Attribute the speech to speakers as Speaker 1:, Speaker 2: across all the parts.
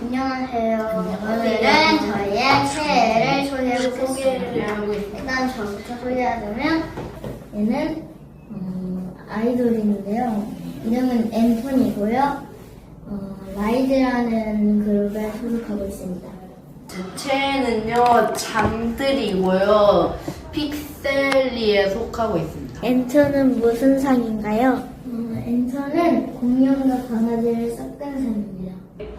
Speaker 1: 안녕하세요. 오늘은 저희의 새해를 소개해보겠습니다. 일단 저부터 소개하자면 얘는 아이돌인데요. 이름은 앤톤이고요. 라이즈라는 그룹에 소속하고 있습니다.
Speaker 2: 제 최애는요 잠들이고요 픽셀리에 속하고 있습니다.
Speaker 3: 앤톤은 무슨 상인가요?
Speaker 1: 앤톤은 공룡과 강아지를 섞은 상입니다.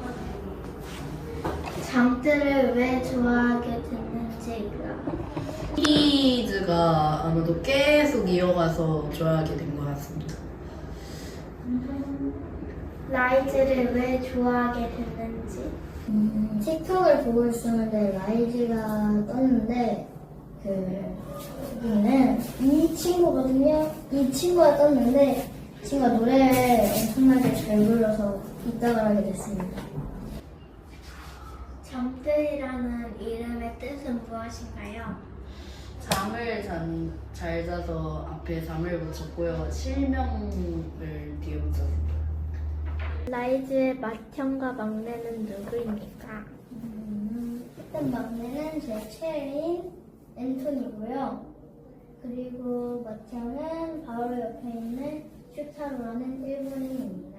Speaker 1: 잠들을 왜 좋아하게 됐는지요?
Speaker 2: 시리즈가 아마도 계속 이어가서 좋아하게 된 것 같습니다.
Speaker 1: 라이즈를 왜 좋아하게 됐는지? 틱톡을 보고 있었는데 라이즈가 떴는데 여기는 이 친구거든요. 이 친구가 떴는데 이 친구가 노래를 엄청나게 잘 불러서 입덕을 하게 됐습니다. 잠들이라는 이름의 뜻은 무엇인가요?
Speaker 2: 잠을 잘 자서 앞에 잠을 붙였고요. 실명을 뒤에 붙였습니다.
Speaker 3: 라이즈의 맏형과 막내는 누구입니까?
Speaker 1: 일단 막내는 제 최애인 앤톤이고요. 그리고 맏형은 바로 옆에 있는 슈타로라는 일본인입니다.